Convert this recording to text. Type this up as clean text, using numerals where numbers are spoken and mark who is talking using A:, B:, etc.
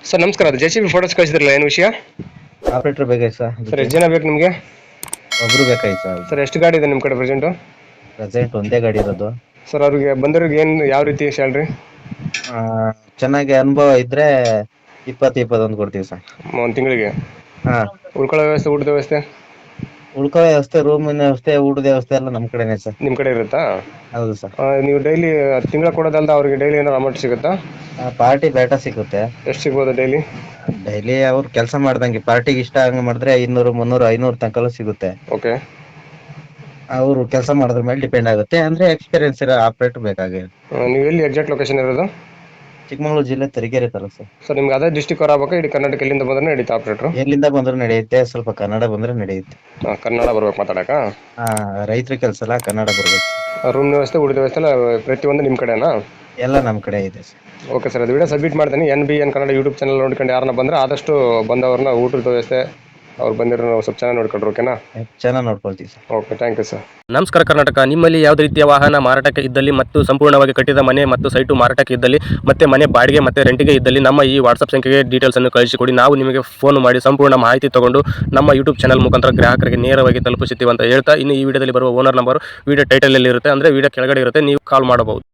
A: Sir ನಮಸ್ಕಾರ, ಅದು JCB photos ಕಳಿಸಿದ್ರಲ್ಲ, ಏನು ವಿಷಯ?
B: ಆಪರೇಟರ್ ಬೇಕಾಯ್ತು
A: ಸರ್ ಎಷ್ಟು ಜನ ಬೇಕು ನಿಮಗೆ?
B: ಒಬ್ರು ಬೇಕಾಯ್ತು
A: ಸರ್ ಎಷ್ಟು ಗಾಡಿ ಇದೆ ನಿಮ್ಮ ಕಡೆ ಪ್ರೆಸೆಂಟು?
B: ಪ್ರೆಸೆಂಟ್ ಒಂದೇ ಗಾಡಿ ಇರೋದು.
A: ಸರ್ ಅವ್ರಿಗೆ ಬಂದವ್ರಿಗೆ ಏನು ಯಾವ ರೀತಿ ಸ್ಯಾಲ್ರಿ?
B: ಆ, ಚೆನ್ನಾಗಿ ಅನುಭವ ಇದ್ರೆ 20-21 ಕೊಡ್ತೀವಿ ಸರ್.
A: ಒಂದು ತಿಂಗಳಿಗೆ?
B: ಹಾ,
A: ಉಳ್ಕೊಳ್ಳೋ ವ್ಯವಸ್ಥೆ, ಊಟದ ವ್ಯವಸ್ಥೆ?
B: ಉಳ್ಕೋ ವ್ಯವಸ್ಥೆ, ರೂಮಿನ ವ್ಯವಸ್ಥೆ, ಊಟದ ವ್ಯವಸ್ಥೆ ಎಲ್ಲ ನಮ್ ಕಡೆನೆ ಸರ್.
A: ನಿಮ್ಮ ಕಡೆ ಇರುತ್ತಾ?
B: ಹೌದು ಸರ್.
A: ನೀವು ಡೈಲಿ ತಿಂಗಳ ಕೊಡೋದಲ್ದ ಅವ್ರಿಗೆ ಡೈಲಿ ಏನಾದ್ರು ಅಮೌಂಟ್ ಸಿಗುತ್ತಾ?
B: ಪಾರ್ಟಿ ಬೇಟ ಸಿಗುತ್ತೆ.
A: ಎಷ್ಟು ಸಿಗ್ಬೋದು ಡೈಲಿ?
B: ಡೈಲಿ ಅವ್ರು ಕೆಲಸ ಮಾಡ್ದಂಗೆ ಪಾರ್ಟಿಗೆ ಇಷ್ಟ ಹಂಗ ಮಾಡಿದ್ರೆ 200, 300, 500 ತನಕಲ್ಲೂ ಸಿಗುತ್ತೆ.
A: ಓಕೆ.
B: ಅವರು ಕೆಲಸ ಮಾಡೋದ್ರ ಮೇಲೆ ಡಿಪೆಂಡ್ ಆಗುತ್ತೆ. ಅಂದ್ರೆ ಎಕ್ಸ್ಪೀರಿಯನ್ಸ್ ಇರೋ ಆಪರೇಟರ್ ಬೇಕಾಗಿದೆ.
A: ನೀವು ಎಲ್ಲಿ ಎಕ್ಸಾಕ್ಟ್ ಲೊಕೇಶನ್ ಇರೋದು?
B: ಚಿಕ್ಕಮಗಳೂರು ಜಿಲ್ಲೆ ತರೀಕೆರೆ ತಾಲೂಕು ಸರ್.
A: ಸರ್ ನಿಮ್ಗೆ ಅದೇ ಡಿಸ್ಟಿಕ್ ಅವ್ರು ಆಗ್ಬೇಕಾ, ಇಡೀ ಕರ್ನಾಟಕ ಎಲ್ಲಿಂದ ಬಂದ್ರೆ ನಡೀತಾ ಆಪರೇಟ್ರು?
B: ಎಲ್ಲಿಂದ ಬಂದ್ರು ನಡೆಯುತ್ತೆ, ಸ್ವಲ್ಪ ಕನ್ನಡ ಬಂದ್ರೆ ನಡೆಯುತ್ತೆ.
A: ಕನ್ನಡ ಬರ್ಬೇಕು ಮಾತಾಡಕ?
B: ರೈತರ ಕೆಲಸ ಎಲ್ಲ ಕನ್ನಡ ಬರ್ಬೇಕು.
A: ರೂಮ್ ವ್ಯವಸ್ಥೆ, ಊಟದ ವ್ಯವಸ್ಥೆ ಎಲ್ಲ ಪ್ರತಿಯೊಂದು ನಿಮ್ಮ ಕಡೆನಾ?
B: ಎಲ್ಲ ನಮ್ಮ ಕಡೆ ಇದೆ ಸರ್.
A: ಓಕೆ ಸರ್, ಅದು ವಿಡಿಯೋ ಸಬ್ಮಿಟ್ ಮಾಡ್ತೀನಿ. NBN ಕನ್ನಡ ಯೂಟ್ಯೂಬ್ ಚಾನಲ್ ನೋಡ್ಕೊಂಡು ಯಾರನ್ನ ಬಂದರೆ ಆದಷ್ಟು ಬಂದವ್ರನ್ನ ಊಟದ ವ್ಯವಸ್ಥೆ ಅವ್ರು ಬಂದಿರೋ ಸ್ವಲ್ಪ ಚೆನ್ನಾಗಿ ನೋಡ್ಕೊಂಡ್ರು. ಓಕೆನಾ?
B: ಚೆನ್ನಾಗಿ ನೋಡ್ಕೊಳ್ತೀವಿ sir.
A: Okay, thank you sir.
C: ನಮಸ್ಕಾರ ಕರ್ನಾಟಕ. ನಿಮ್ಮಲ್ಲಿ ಯಾವುದೇ ರೀತಿಯ ವಾಹನ ಮಾರಾಟಕ್ಕೆ ಇದ್ದಲ್ಲಿ ಮತ್ತು ಸಂಪೂರ್ಣವಾಗಿ ಕಟ್ಟಿದ ಮನೆ ಮತ್ತು ಸೈಟು ಮಾರಾಟಕ್ಕೆ ಇದ್ದಲ್ಲಿ ಮತ್ತೆ ಮನೆ ಬಾಡಿಗೆ ಮತ್ತು ರೆಂಟಿಗೆ ಇದ್ದಲ್ಲಿ ನಮ್ಮ ಈ ವಾಟ್ಸಪ್ ಸಂಖ್ಯೆಗೆ ಡೀಟೇಲ್ಸನ್ನು ಕಳಿಸಿಕೊಡಿ. ನಾವು ನಿಮಗೆ ಫೋನ್ ಮಾಡಿ ಸಂಪೂರ್ಣ ಮಾಹಿತಿ ತಗೊಂಡು ನಮ್ಮ ಯೂಟ್ಯೂಬ್ ಚಾನಲ್ ಮುಖಾಂತರ ಗ್ರಾಹಕರಿಗೆ ನೇರವಾಗಿ ತಲುಪಿಸುತ್ತೀವಿ ಅಂತ ಹೇಳ್ತಾ, ಇನ್ನು ಈ ವಿಡಿಯೋದಲ್ಲಿ ಬರುವ ಓನರ್ ನಂಬರ್ ವಿಡಿಯೋ ಟೈಟಲಲ್ಲಿ ಇರುತ್ತೆ, ಅಂದರೆ ವಿಡಿಯೋ ಕೆಳಗಡೆ ಇರುತ್ತೆ, ನೀವು ಕಾಲ್ ಮಾಡಬಹುದು.